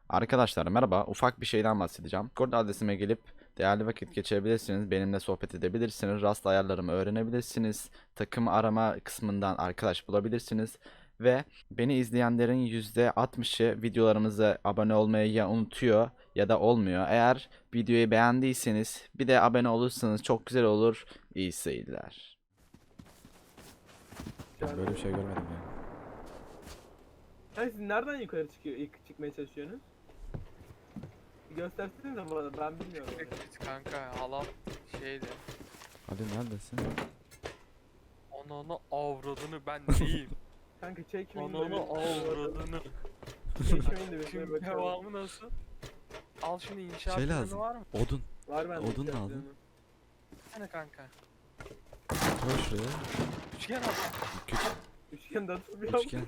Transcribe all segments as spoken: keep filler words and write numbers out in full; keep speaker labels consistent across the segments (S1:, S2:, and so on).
S1: Arkadaşlar merhaba, ufak bir şeyden bahsedeceğim. Discord adresime gelip değerli vakit geçirebilirsiniz, benimle sohbet edebilirsiniz, Rust ayarlarımı öğrenebilirsiniz, takım arama kısmından arkadaş bulabilirsiniz ve beni izleyenlerin yüzde altmışı videolarımıza abone olmayı ya unutuyor ya da olmuyor. Eğer videoyu beğendiyseniz bir de abone olursanız çok güzel olur. İyi seyirler. Ben böyle bir şey görmedim yani.
S2: Hani siz nereden yukarı çıkıyor, ilk çıkmaya çalışıyorsunuz? Bir göstersenize bana, ben bilmiyorum. orayı.
S3: Biz kanka halam şeydi.
S1: Ali neredesin?
S3: Ananı avradını ben neyim?
S2: Kanka çekmeyin de
S3: Ananı
S2: bir-
S3: avradını.
S2: Çekmeyin de bir şöyle
S3: Şimdi
S2: bakalım.
S3: devamı nasıl? Al şunu inşaat
S1: Şey
S3: planı
S1: lazım.
S3: var mı?
S1: Odun.
S2: Var bende.
S1: Odun
S2: bir
S1: da aldın.
S2: planı.
S3: Hani kanka.
S1: Koy şuraya.
S3: Üçgen al.
S1: Küçük
S2: Üçgen de atılmıyor.
S1: üçgen.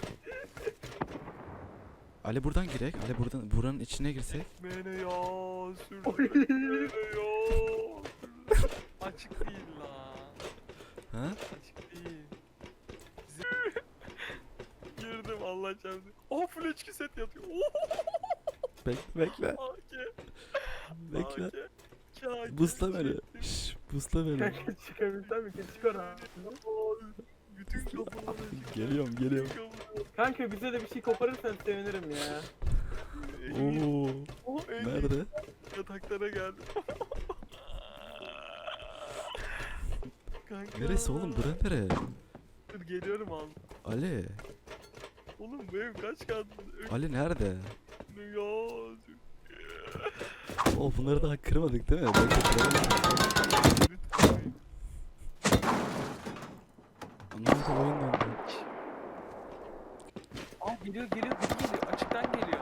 S1: Ali buradan girek. Ali buradan buranın içine girsek.
S3: Beni ya sürdü.
S2: Oy.
S3: Beni ya. Açık değil lan.
S1: Ha?
S3: Açık değil. Z- Girdim Allah çarpsın. Oh full H Q set yatıyor. Oh.
S1: Bekle bekle.
S3: A K.
S1: Bekle.
S3: A K. K K.
S1: Busla beni. Şşş, busla beni.
S2: Kanka çıkabilsem mi? Çık oradan.
S3: Bütün kapıları
S1: Geliyorum geliyorum.
S2: Kanka bize de bir şey koparırsan sevinirim ya.
S1: Oo.
S3: Oh, en iyi
S1: Nerede?
S3: yataklara geldim. Kanka.
S1: Neresi oğlum? Bura nere?
S3: Dur geliyorum al.
S1: Ali.
S3: Oğlum bu ev kaç kat?
S1: Ali nerede?
S3: Ya.
S1: O bunları daha kırmadık değil mi? Bekle kıralım.
S3: Lütfen.
S1: Anlamadım oyun döndü.
S3: Aa geliyor geliyor biri geliyor açıktan geliyor.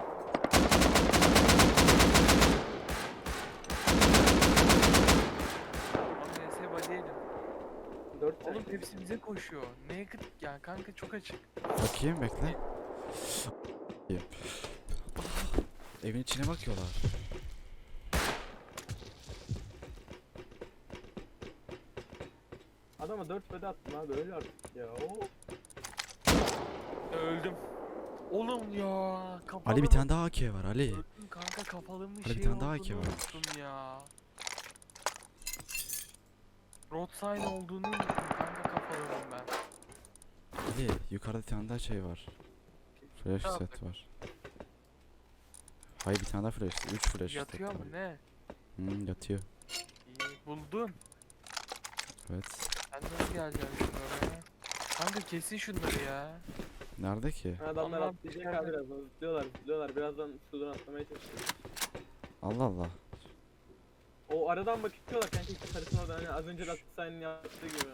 S3: Abi S body'ydim.
S2: Dört
S3: Oğlum
S2: tane.
S3: hepsi bize koşuyor. Naked ya kanka çok açık.
S1: Bakayım bekle. Evin içine bakıyorlar.
S2: Adama dört bede attım abi, öyle artık ya. Oo.
S3: Öldüm. Oğlum ya kapalı
S1: Ali bir
S3: mı?
S1: tane daha A K var Ali.
S3: Öldüm kanka kapalı mı
S1: Ali bir
S3: şey
S1: tane daha
S3: olduğunu
S1: A K var.
S3: unuttum ya. Road sign olduğunu unuttum kanka kapalıyım ben.
S1: Ali yukarıda bir tane daha şey var. Flash
S3: Tamam.
S1: set var. Hayır bir tane daha flash. üç flash
S3: Yatıyor
S1: set
S3: mu
S1: var.
S3: ne?
S1: Hmm, yatıyor.
S3: İyi buldun.
S1: Evet.
S3: Sen nasıl geleceksin şunlara? Kanka kesin şunları ya.
S1: Nerede ki?
S2: Adamlar
S3: Allah'ım,
S2: atlayacak
S3: içeride.
S2: abi birazdan. Zıplıyorlar zıplıyorlar. Birazdan sudan atlamaya çalışıyor.
S1: Allah Allah.
S2: O aradan bakıyorlar kanka, işte sarısın orada, hani az önce de Atsay'ın yaptığı gibi.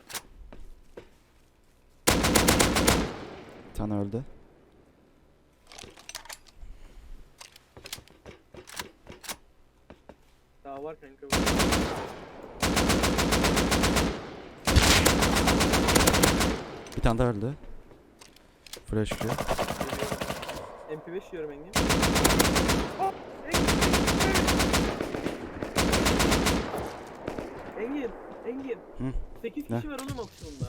S1: Bir tane öldü.
S2: Daha var kanka.
S1: Bir tane daha öldü. Flash Q.
S2: M P beş yiyorum Engin. Engin, Engin.
S1: Hı,
S2: sekiz
S1: ne?
S2: kişi var oğlum opsiyonda.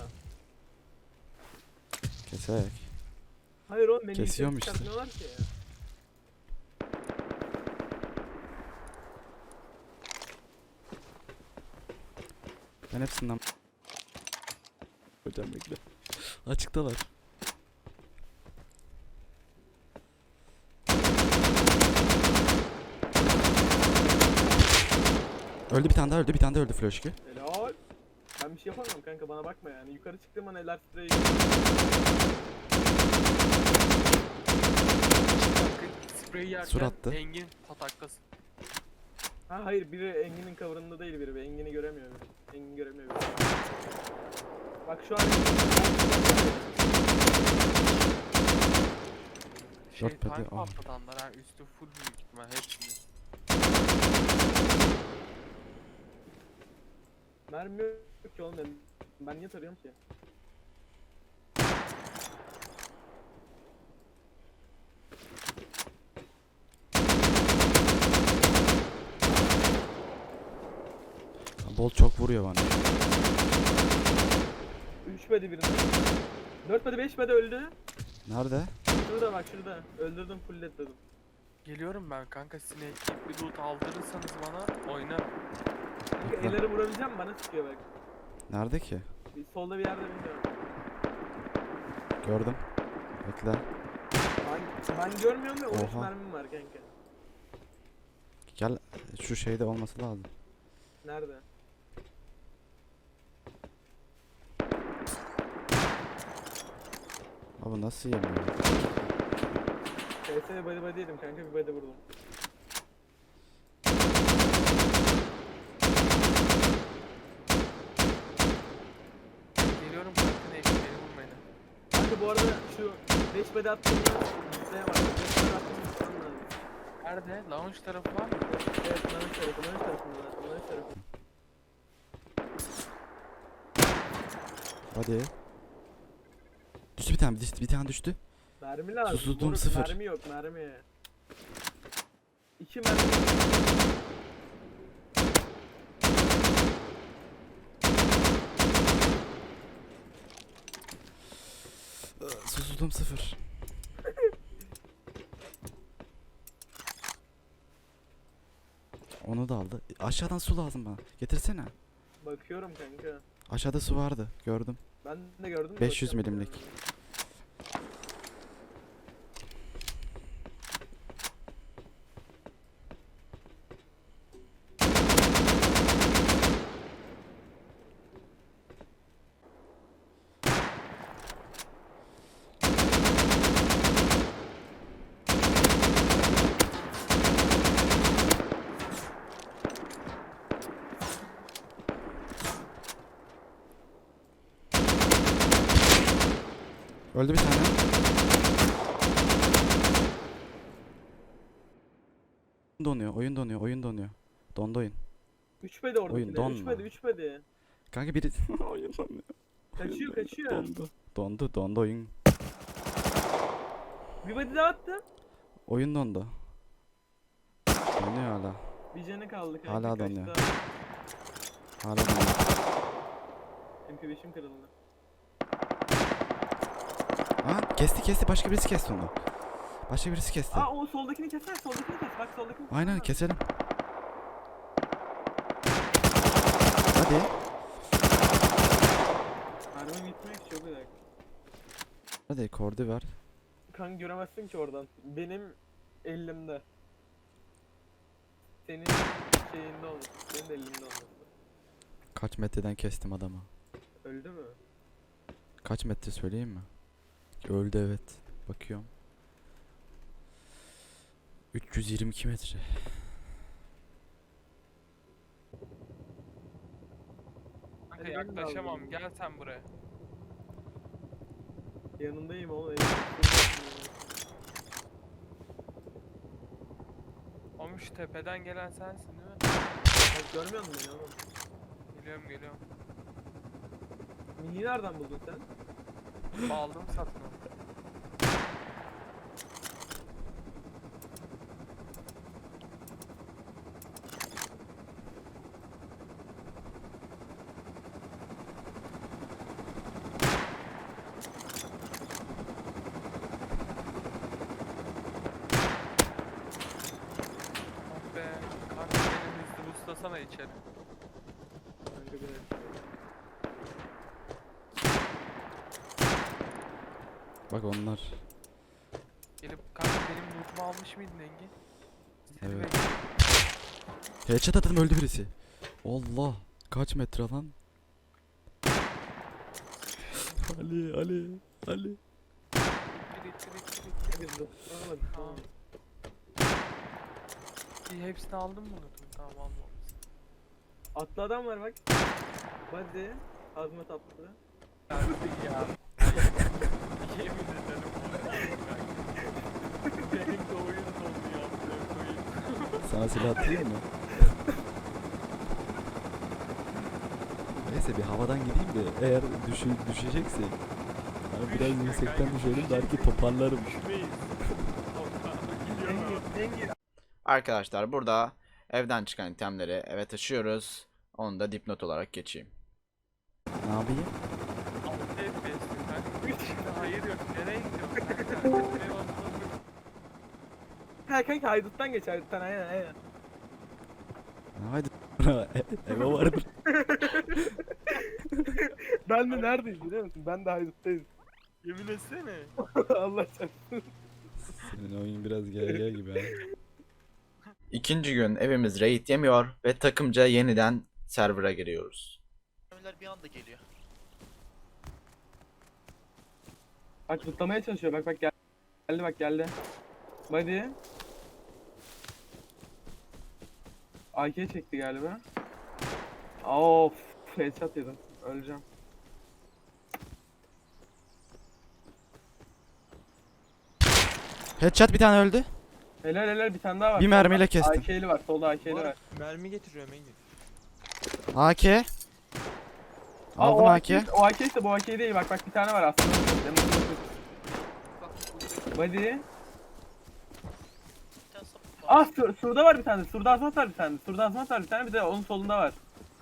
S1: Kesek.
S2: Hayır oğlum, beni
S1: Kesiyorum
S2: yukarı
S1: işte.
S2: çıkartmıyorlar ki ya.
S1: Ben hepsinden... Hocam bekle. Açıktalar. Öldü bir tane daha öldü. Bir tane daha öldü Flash Q.
S2: Helal. Ben bir şey yapamam kanka, bana bakma yani. Yukarı çıktığım an eller spreyi.
S3: Sprey yerken
S1: Sur attı.
S3: Engin pataklasın.
S2: Ha hayır, biri Engin'in cover'ında değil biri. Engin'i göremiyor. biri. Engin göremiyor. biri. Bak şu an
S3: Şey
S1: Dört pedi,
S3: tank
S1: ah.
S3: patlatanlar ha üstü full büyük ihtimal hepsini.
S2: mermi yok ki oğlum benim. Ben niye tarıyorum ki?
S1: Bol çok vuruyor bana.
S2: üç bedi birinde. dört bedi beş bedi öldü.
S1: Nerede?
S2: Şurada bak şurada. Öldürdüm, full dedim.
S3: Geliyorum ben kanka, sineği bir loot aldırırsanız bana oynarım.
S2: Kanka
S1: Bekle.
S2: elleri vurabileceğim bana sıkıyor bak.
S1: Nerede ki?
S2: Bir solda bir yerde bilmiyorum.
S1: Gördüm. Bekle.
S2: Ben, ben görmüyorum ve on üç
S1: Oha.
S2: mermim var kanka.
S1: Gel şu şeyde olması lazım.
S2: Nerede?
S1: Abi nasıl yemiyor?
S2: K S'ye body body yedim kanka, bir body vurdum.
S3: Geliyorum kanka, ne beni vurmayın.
S2: Kanka bu arada şu beş body attığımda şey var. beş body attığımda tutmam lazım.
S3: Nerede? Lounge tarafı var mı?
S2: Evet, lanış tarafı, lanış tarafında. Lanış tarafı.
S1: Hadi. Düştü bir tane, düştü, bir tane düştü.
S2: Mermi lazım.
S1: Susuzluğum
S2: moruk,
S1: sıfır.
S2: Mermi yok, mermi. İki mermi.
S1: Susuzluğum sıfır. Onu da aldı. Aşağıdan su lazım bana. Getirsene.
S2: Bakıyorum kanka.
S1: Aşağıda su vardı. Gördüm.
S2: Ben de gördüm. de
S1: beş yüz
S2: bakıyorum
S1: milimlik.
S2: yani.
S1: Öldü bir tane. Donuyor. Oyun donuyor. Oyun donuyor. Dondu oyun.
S2: Üç bedi orada.
S1: Oyun
S2: Üç
S1: donma.
S2: bedi, üç bedi.
S1: Kanka biri... oyun donuyor.
S2: Kaçıyor, kaçıyor.
S1: Dondu. Dondu. Dondu oyun.
S2: Bir body daha attı.
S1: Oyun dondu. Donuyor hala.
S2: Bir canı kaldı kanka.
S1: Hala
S2: kaçtı.
S1: donuyor. Hala donuyor.
S2: M P beşim kırıldı.
S1: Aa kesti kesti. Başka birisi kesti onu. Başka birisi kesti.
S2: Aa o soldakini keser, soldakini kes. Bak soldakini kes.
S1: Aynen keselim. Hadi.
S2: Mermi gitmek çok güzel.
S1: Hadi kordu ver.
S2: Kanka göremezsin ki oradan. Benim elimde. Senin şeyinde olmuş. Senin de elinde olmuş.
S1: Kaç metreden kestim adamı.
S2: Öldü mü?
S1: Kaç metre söyleyeyim mi? Öldü evet. Bakıyorum. üç yüz yirmi iki metre.
S3: Kanka
S2: Hadi ben de
S3: yaklaşamam,
S2: aldım.
S3: gel sen buraya.
S2: Yanındayım oğlum. elimde.
S3: Oğlum şu tepeden gelen sensin değil mi?
S2: Bak görmüyor musun beni oğlum?
S3: Geliyorum geliyorum.
S2: Mini nereden buldun sen?
S3: Aldım satın. Oh be. Kanka beni hızlı buslasana içeri.
S2: Kanka bir
S1: Bak onlar.
S3: Gelip kanka benim lootumu almış mıydın Engin?
S1: Evet.
S3: Zirve.
S1: Headshot atın öldü birisi. Allah. Kaç metre lan? Ali Ali Ali.
S3: İttir ittir ittir ittir.
S2: Biz tutamadık.
S3: Tamam. İyi, hepsini aldın mı lootumu? Tamam almamışsın.
S2: Atlı adam var bak. Body. Azmat atlı.
S3: Ya. Yemin ederim. Benim de oyun dondu ya. Koyayım.
S1: Sana silah atayım mı? Neyse bir havadan gideyim de eğer düşü düşeceksek hani biraz
S3: Düşme
S1: yüksekten
S3: kanka,
S1: düşelim
S3: düşecek.
S1: belki toparlarım.
S3: Düşmeyiz. Gidiyorum.
S2: Engin, Engin.
S1: Arkadaşlar burada evden çıkan itemleri eve taşıyoruz. Onu da dipnot olarak geçeyim. Ne yapayım?
S3: altı F P S'ti kanka. Hayır yok. Nereye gidiyorsun kanka? Nereye
S2: Ha kanka hayduttan geç hayduttan aynen aynen.
S1: Haydi eve vardır.
S2: Ben de neredeyiz biliyor musun? Ben de hayduttayım.
S3: Yemin etsene.
S2: Allah çarpsın.
S1: Senin oyun biraz G G gibi ha. İkinci gün evimiz raid yemiyor ve takımca yeniden server'a giriyoruz.
S3: Mermiler bir anda geliyor.
S2: Bak zıplamaya çalışıyor bak bak gel- geldi bak geldi. Body. A K çekti galiba. Of headshot yedim. Öleceğim.
S1: Headshot bir tane öldü.
S2: Helal helal bir tane daha var.
S1: Bir mermiyle kestim.
S2: A K'li var solda A K'li
S3: Bu
S2: var.
S3: arada mermi getiriyorum Engin.
S1: A K.
S2: Aa,
S1: Aldım
S2: o
S1: A K.
S2: O A K ise bu A K değil bak bak bir tane var aslında. Body.
S3: Bir tane sapık var.
S2: Ah sur, surda var bir tane. Surda azmat var bir tane. Surda azmat var bir tane bir de onun solunda var.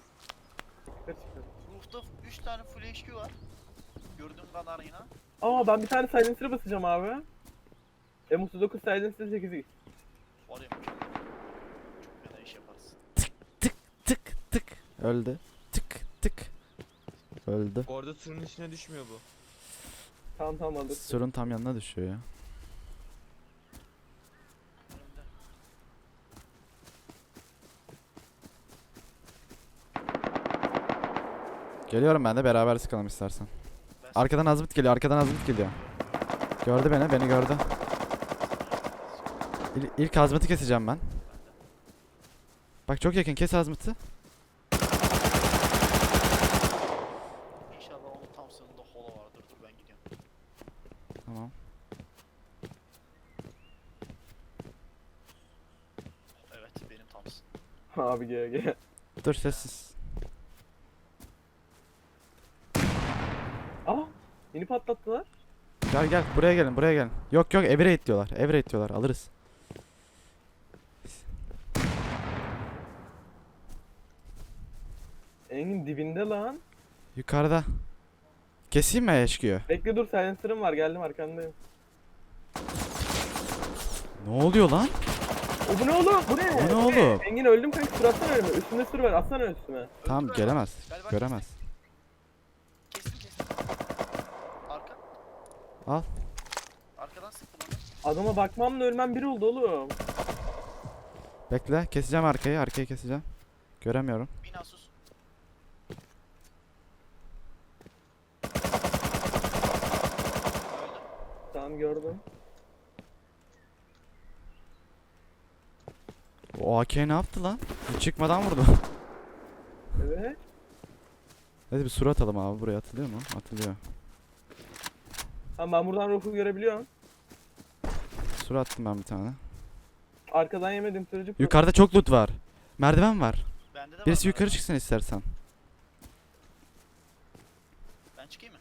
S3: Roof'ta üç tane full H Q var. Gördüğüm kadarıyla.
S2: Aa ben bir tane silencer'a basacağım abi. M otuz dokuz silencer sekiz x.
S3: Var ya mükemmel. Çok fena iş yaparız.
S1: Tık tık. Öldü. Tık tık. Öldü.
S4: Orada surun içine düşmüyor bu.
S2: Tamam tamam aldım.
S1: Surun tam yanına düşüyor ya.
S3: Önümde.
S1: Geliyorum ben de beraber sıkalım istersen.
S3: Ben
S1: Arkadan Azmit geliyor, arkadan Azmit geliyor. Gördü beni, beni gördü. İl, ilk Azmit'i keseceğim ben. Bak çok yakın, kes Azmit'i.
S3: İnşallah onun tam sınırında holo vardır. Dur ben gidiyorum.
S1: Tamam.
S3: Evet benim Thompson.
S2: Abi gel gel.
S1: Dur sessiz.
S2: Aa yeni patlattılar.
S1: Gel gel, buraya gelin, buraya gelin. Yok yok, ev raid diyorlar, ev raid diyorlar, alırız.
S2: Engin dibinde lan.
S1: Yukarıda. Keseyim mi H Q'yu?
S2: Bekle dur silencer'ım var geldim arkandayım.
S1: Ne oluyor lan?
S2: O bu ne oğlum? Bu ne?
S1: Bu ne
S2: Bu
S1: oğlum?
S2: Engin öldüm kanka sur atsana önüme. Üstünde sur var atsana üstüme.
S1: Tamam gelemez,
S3: Galiba
S1: göremez.
S3: Kestim kestim. Arka.
S1: Al.
S3: Arkadan sıktım onu.
S2: Adama bakmamla ölmem bir oldu oğlum.
S1: Bekle, keseceğim arkayı, arkayı keseceğim. Göremiyorum.
S3: Bina sus. Öldüm.
S2: Tamam gördüm.
S1: O A K ne yaptı lan? Hiç çıkmadan vurdu.
S2: Evet.
S1: Hadi bir sur atalım abi, buraya atılıyor mu? Atılıyor.
S2: Tamam ben buradan ruhu görebiliyorum.
S1: Sur attım ben bir tane.
S2: Arkadan yemedim sürücü.
S1: Yukarıda çok loot var. Merdiven var.
S3: Bende de var.
S1: Birisi yukarı
S3: galiba.
S1: çıksın istersen.
S3: Ben çıkayım mı?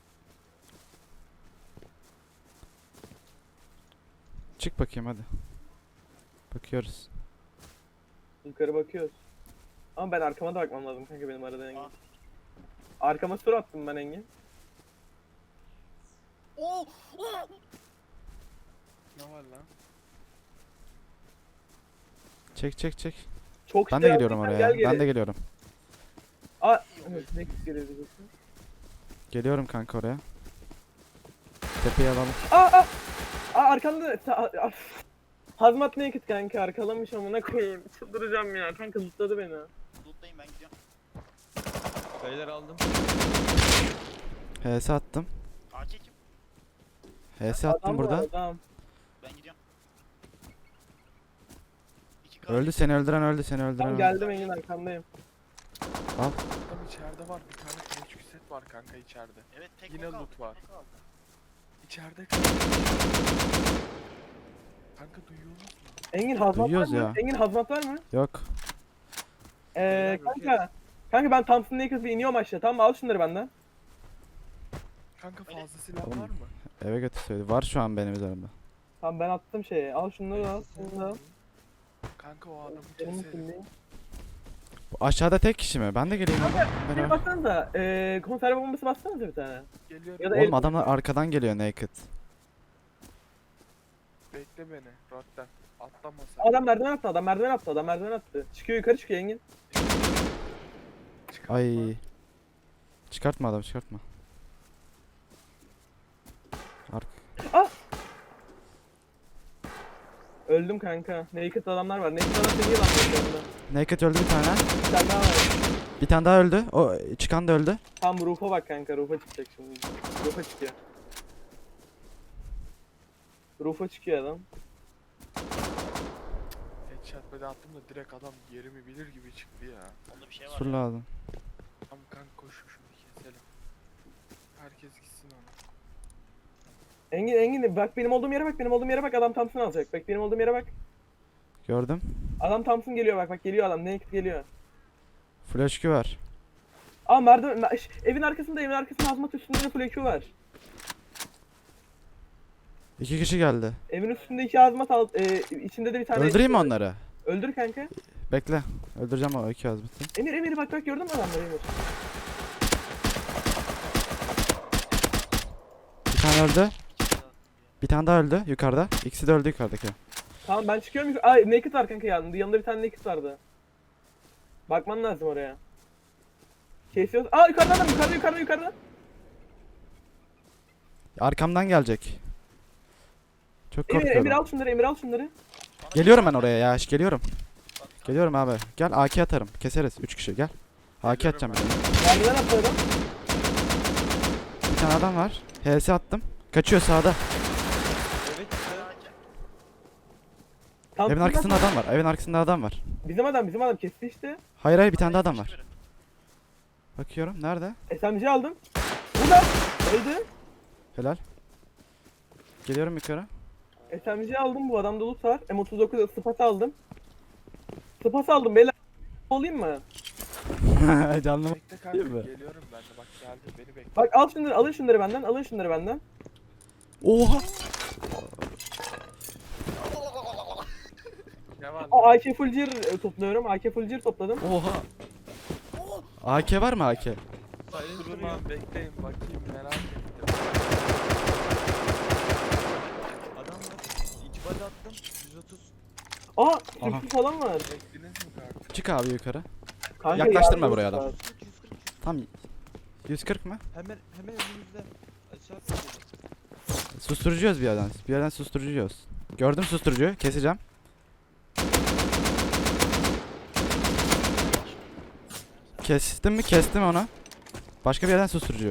S1: Çık bakayım hadi. Bakıyoruz.
S2: Yukarı bakıyoruz. Ama ben arkama da bakmam lazım kanka benim arada Engin.
S3: Aa.
S2: Arkama sur attım ben Engin.
S3: Oo! Oo!
S4: Ne var lan?
S1: Çek çek çek.
S2: Çok
S1: Ben de
S2: şey
S1: geliyorum
S2: yaptın,
S1: oraya.
S2: gel geri.
S1: Ben de geliyorum.
S2: Aa, evet, ne geliyor diyeceksin?
S1: Geliyorum kanka oraya. Tepeyi alalım.
S2: Aa aa! Aa arkanda ta- aa, Hazmat naked kanka arkalamış amına koyayım. Çıldıracağım ya kanka zıpladı beni.
S3: Loot'tayım ben gidiyorum.
S4: Beyler aldım.
S1: H S attım.
S3: A K kim?
S1: H S attım
S2: Adam
S1: burada.
S2: var, adam.
S3: Ben gidiyorum. İki K.
S1: Öldü, seni öldüren öldü, seni öldüren
S2: Tamam
S1: öldü.
S2: geldim Engin arkandayım.
S4: Tam içeride var. Bir tane kılıç set var kanka içeride.
S3: Evet tek
S4: Yine
S3: o kaldı,
S4: loot var.
S3: tek o kaldı.
S4: İçeride kanka. Kanka duyuyor musun?
S2: Engin hazmat
S1: Duyuyoruz
S2: var mı?
S1: ya.
S2: Engin hazmat var mı?
S1: Yok.
S2: Ee,
S4: Beyler,
S2: kanka. Kanka ben Thompson Naked bir iniyorum aşağı tamam mı? Al şunları benden.
S4: Kanka
S3: Öyle.
S4: fazla silah
S1: Oğlum.
S4: var mı?
S1: Eve götür söyledi. Var şu an benim üzerimde.
S2: Tamam ben attım şeye. Al şunları al. Şunu da al.
S4: Kanka o adamı
S2: Benim
S4: keselim.
S2: kimliğim.
S1: Bu aşağıda tek kişi mi? Ben de geleyim oğlum.
S2: Bir
S1: Beraber.
S2: baksanıza. Ee, konserve bombası bassanıza bir tane.
S4: Geliyorum.
S2: Ya da
S1: Oğlum
S2: el-
S1: adamlar arkadan geliyor naked.
S4: Bekle beni. Rotten. Atlama sen.
S2: Adam merdiven attı, adam merdiven attı, adam merdiven attı. Çıkıyor yukarı çıkıyor Engin.
S4: Çıkartma.
S1: Ay. Çıkartma adam çıkartma. Ark.
S2: Öldüm kanka. Naked adamlar var. Naked adam seni yılanlıyor şu anda.
S1: Naked öldü bir tane.
S2: Bir tane daha var.
S1: Bir tane daha öldü. O çıkan da öldü.
S2: Tam roof'a bak kanka. Roof'a çıkacak şimdi. Roof'a çıkıyor. Roof'a çıkıyor adam.
S4: Headshot böyle attım da direkt adam yerimi bilir gibi çıktı ya.
S3: Onda bir şey var.
S1: Sur lazım.
S4: Tamam kanka koş şunu keselim. Herkes gitsin ona.
S2: Engin Engin bak benim olduğum yere bak. Benim olduğum yere bak. Adam Thompson alacak. Bak benim olduğum yere bak.
S1: Gördüm.
S2: Adam Thompson geliyor bak. Bak geliyor adam. Naked geliyor.
S1: Flash Q var.
S2: Aa merdiven. mer- ş- Evin arkasında evin arkasında hazmat üstünde de full E Q var.
S1: İki kişi geldi.
S2: Evin üstünde iki hazmat al. E, içinde de bir tane.
S1: Öldüreyim mi onları?
S2: Öldür kanka.
S1: Bekle. Öldüreceğim o iki azmeti.
S2: Emir Emir bak bak gördün mü adamları Emir?
S1: Bir tane öldü. Bir tane daha öldü yukarıda. İkisi de öldü yukarıdaki.
S2: Tamam ben çıkıyorum. yuk- Ay naked var kanka yanında. Yanında bir tane naked vardı. Bakman lazım oraya. Kesiyoruz. Aa yukarıda adam yukarıda yukarıda yukarıda.
S1: Arkamdan gelecek. Çok
S2: Emir Emir
S1: korkuyorum.
S2: al şunları Emir al şunları.
S1: Geliyorum ben oraya ya. Geliyorum. Geliyorum abi. Gel A K atarım. Keseriz. Üç kişi gel. A K atacağım bir tane.
S2: Merdiven attı adam.
S1: Bir tane adam var. H S attım. Kaçıyor sağda.
S2: Tam
S1: Evin arkasında adam var. Evin arkasında adam var.
S2: Bizim adam bizim adam kesti işte.
S1: Hayır hayır bir tane daha adam var. Bakıyorum. Nerede?
S2: S M G aldım. Burada. Öldü.
S1: Helal. Geliyorum yukarı.
S2: S M G aldım bu adamda loot var. M otuz dokuz sıpat aldım. Sıpat aldım beyler. Olayım mı?
S1: Canlı.
S4: Bekle kanka
S1: Değil mi?
S4: geliyorum ben de bak geldim beni bekle.
S2: Bak al şunları alın şunları benden alın şunları benden.
S1: Oha.
S4: Ne var?
S2: Aa A K full gear e, topluyorum. A K full gear topladım.
S1: Oha. A K var mı A K?
S4: Durma bekleyin bakayım merak ettim.
S5: Adam var. İki body attım. yüz otuz.
S2: Aa
S1: Aha.
S2: sürpriz falan var.
S4: Beklediniz mi kanka?
S1: Çık abi yukarı.
S2: Kanka
S1: Yaklaştırma
S2: yardım
S1: buraya
S2: var.
S1: adam.
S5: yüz kırk yüz kırk.
S1: Tam yüz kırk mı?
S5: Hemen hemen önümüzde. Aşağı atladı.
S1: Susturucuyuz bir yerden. Bir yerden susturucuyuz. Gördüm susturucuyu. Keseceğim. Kestim mi? Kestim onu. Başka bir yerden susturucu.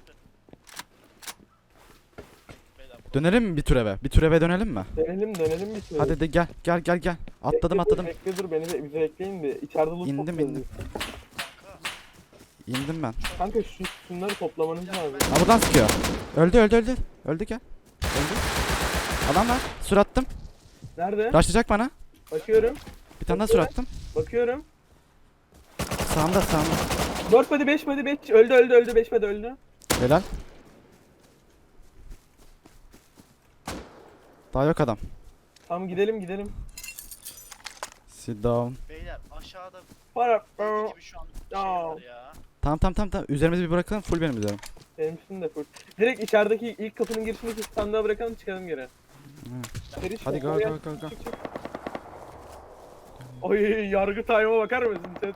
S1: Dönelim mi bir tur eve? Bir tur eve dönelim mi?
S2: Dönelim dönelim bir süre.
S1: Hadi de gel gel gel gel. Atladım
S2: Bekle dur,
S1: atladım.
S2: Bekle dur beni de bize bekleyin bir. İçeride loot
S1: İndim,
S2: topluyoruz
S1: indim.
S2: biz.
S1: İndim ben.
S2: Kanka şu şunları toplamanız lazım.
S1: Ha buradan sıkıyor. Öldü öldü öldü. Öldü gel. Öldü. Adam var. Sur attım.
S2: Nerede?
S1: Rushlayacak bana.
S2: Bakıyorum.
S1: Bir tane daha sur attım.
S2: Bakıyorum.
S1: Sağımda sağımda.
S2: dört body beş body beş öldü öldü öldü beş body öldü.
S1: Helal. Daha yok adam.
S2: Tamam gidelim gidelim.
S1: Sit down.
S3: Beyler aşağıda
S2: Para.
S3: deli gibi şu an şey var ya.
S1: Tamam tamam tamam tamam. Üzerimizi bir bırakalım. Full benim üzerim.
S2: Benim üstüm de full. Direkt içerideki ilk kapının girişindeki sandığa bırakalım çıkalım geri. Seri çık,
S1: Hadi go
S2: oraya
S1: go
S2: çık,
S1: go go.
S2: çık, çık. Oy yargı time'a bakar mısın sen?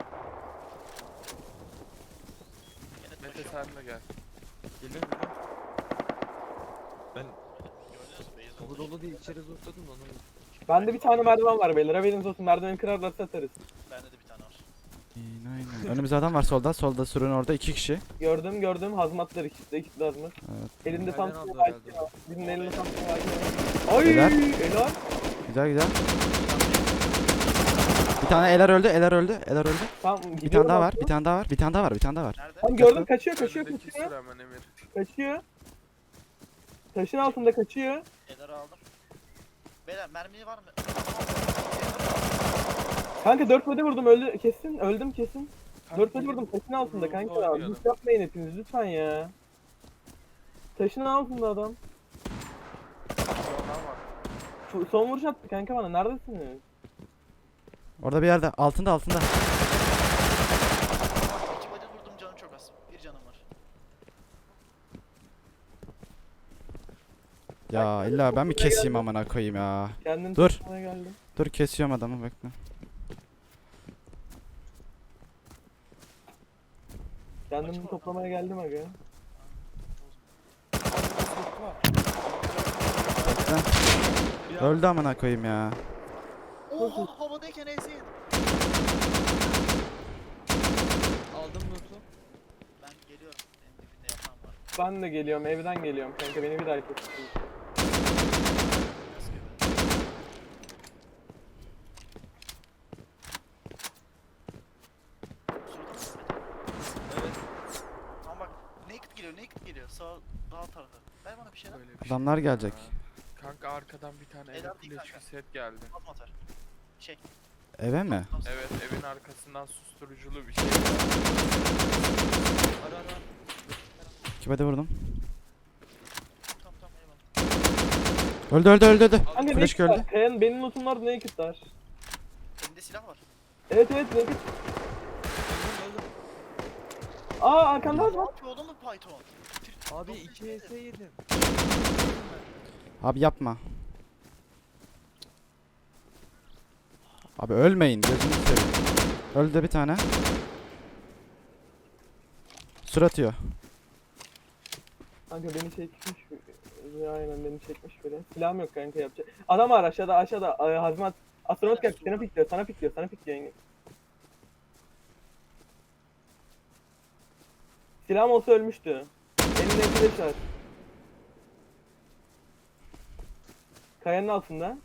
S3: Yine
S4: Mete
S3: taşıyor.
S4: sen de gel.
S5: Geliyorum geliyorum. Ben
S3: Gördünüz mü? Beyaz
S5: kapı
S3: oldu.
S5: dolu değil içeri zorladım da onu.
S2: Bende bir tane merdiven var beyler. Haberiniz olsun. Merdiveni kırarlarsa atarız.
S3: Bende de bir tane var.
S1: Aynen aynen. Önümüzde adam var solda. Solda surun orada iki kişi.
S2: Gördüm gördüm. Hazmatlar ikisi de ikisi de hazmat.
S1: Evet.
S2: Elinde
S5: Nereden
S2: Samsun
S5: aldı
S2: var.
S5: herhalde?
S2: Birinin elinde Samsun var. Ay
S1: Helal.
S2: helal.
S1: Güzel güzel. Bir tane Eler öldü. Eler öldü. Eler öldü.
S2: Tamam
S1: Bir
S2: gidiyorum
S1: tane daha var.
S2: aslında.
S1: Bir tane daha var. Bir tane daha var. Bir tane daha var.
S3: Nerede?
S2: Tamam gördüm kaçıyor kaçıyor
S4: Önündeki
S2: kaçıyor.
S4: sıra hemen Emir.
S2: Kaçıyor. Taşın altında kaçıyor.
S3: Edar'ı aldım. Beyler mermi var mı?
S2: Kanka dört body vurdum öldü kesin öldüm kesin.
S4: Kanka,
S2: dört body vurdum taşın altında
S4: Ruhunu
S2: kanka.
S4: oynayalım.
S2: Lütfen yapmayın hepiniz lütfen ya. Taşın altında adam.
S4: Sonra var.
S2: Şu- Son vuruş attı kanka bana neredesiniz?
S1: Orada bir yerde. Altında altında.
S3: İki body vurdum canım çok az. Bir canım var.
S1: Ya illa ben mi keseyim amına koyayım ya.
S2: Kendim
S1: Dur.
S2: tutmaya geldim.
S1: Dur kesiyorum adamı bekle.
S2: Kendimi toplamaya geldim aga.
S1: Bekle. Öldü amına koyayım ya.
S5: Oha havadayken ezin. Aldım loot'u. Ben geliyorum. Benim dibinde yatan var.
S2: Ben de geliyorum, evden geliyorum kanka, beni bir daha kötü.
S5: Evet. Tamam bak. Naked geliyor, naked geliyor. Sağ, sağ tarafa. Ver bana bir şeyler.
S4: Böyle bir
S1: Adamlar
S4: şey
S1: gelecek.
S4: ya. Kanka arkadan bir tane
S5: Helal
S4: ele
S5: değil
S4: flash
S5: kanka.
S4: set geldi.
S5: Atma atar. Şey.
S1: Eve mi?
S4: Evet evin arkasından susturuculu bir şey.
S5: Ara ara.
S1: Kime de vurdum.
S5: Tamam tamam eyvallah.
S1: Öldü öldü öldü öldü.
S2: Kanka
S1: Flash
S2: naked
S1: öldü.
S2: var. Kayan, benim lootum vardı, naked var.
S5: Elinde silah var.
S2: Evet evet naked.
S5: Öldüm öldüm.
S2: Aa arkanda
S5: Ne
S2: var.
S5: yapıyor oğlum bu Python?
S3: Abi iki E S yedim.
S1: Abi yapma. Abi ölmeyin gözünü seveyim. Öldü bir tane. Sur atıyor.
S2: Kanka beni çekmiş. Ya, aynen beni çekmiş biri. Silahım yok kanka yapacak. Adam var aşağıda aşağıda. Ay, hazmat. Astronot geldi. Sana pikliyor. Sana pikliyor. Sana pikliyor yenge. Silahım olsa ölmüştü. Elinde flash var. Kayanın altında.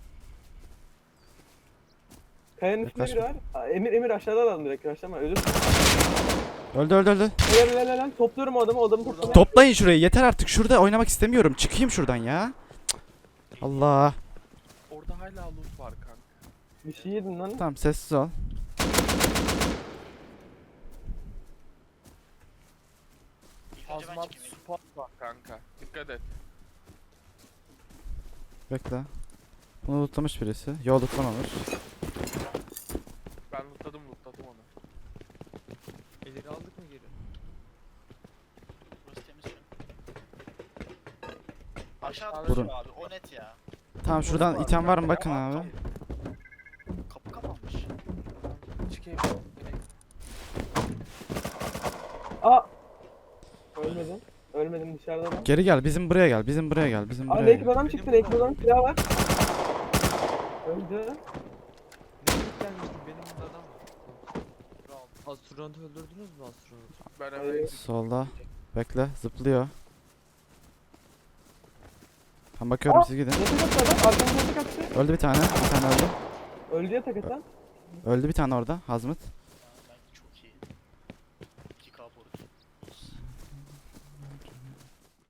S2: Kayanın üstünde biri var. Aa, Emir Emir aşağıda adam direkt. Aşağıda ölür.
S1: Öldü öldü öldü.
S2: Helal helal helal. Topluyorum o adamı. O adamı topluyorum.
S1: Toplayın şurayı yeter artık. Şurada oynamak istemiyorum. Çıkayım şuradan ya. Cık. Allah.
S4: Orada hala loot var kanka.
S2: Bir şey yedin lan.
S1: Tamam sessiz ol.
S5: İlk önce ben
S4: Hazmat
S5: çekeyim.
S4: spot var kanka. Dikkat et.
S1: Bekle. Bunu lootlamış birisi. Yo lootlamamış.
S4: Ben lootladım lootladım onu.
S5: İleri aldık mı geri? Burası temiz şu an. Aşağıda
S1: Vurun.
S5: duruyor abi. O net ya.
S1: Tamam şuradan item var mı bakın abi.
S5: Kapı kapanmış.
S4: Çıkayım.
S2: Aa. Ölmedim. Ölmedim dışarıda adam.
S1: Geri gel bizim buraya gel. Bizim buraya gel. Bizim
S2: Aa
S1: buraya
S2: naked
S1: gel.
S2: adam çıktı. Naked adam silah var. Öldü.
S3: Ne gelmiştim benim burada adam var. Astronot'u öldürdünüz mü astronot'u?
S4: Ben
S2: Hayır.
S4: eve
S1: Solda. Bekle zıplıyor. Tam bakıyorum
S2: Aa!
S1: siz gidin.
S2: Naked attı adam. Arkamda yatak attı.
S1: Öldü bir tane. Bir tane öldü.
S2: Öldü yatak atan.
S1: Öldü bir tane orada. Hazmut.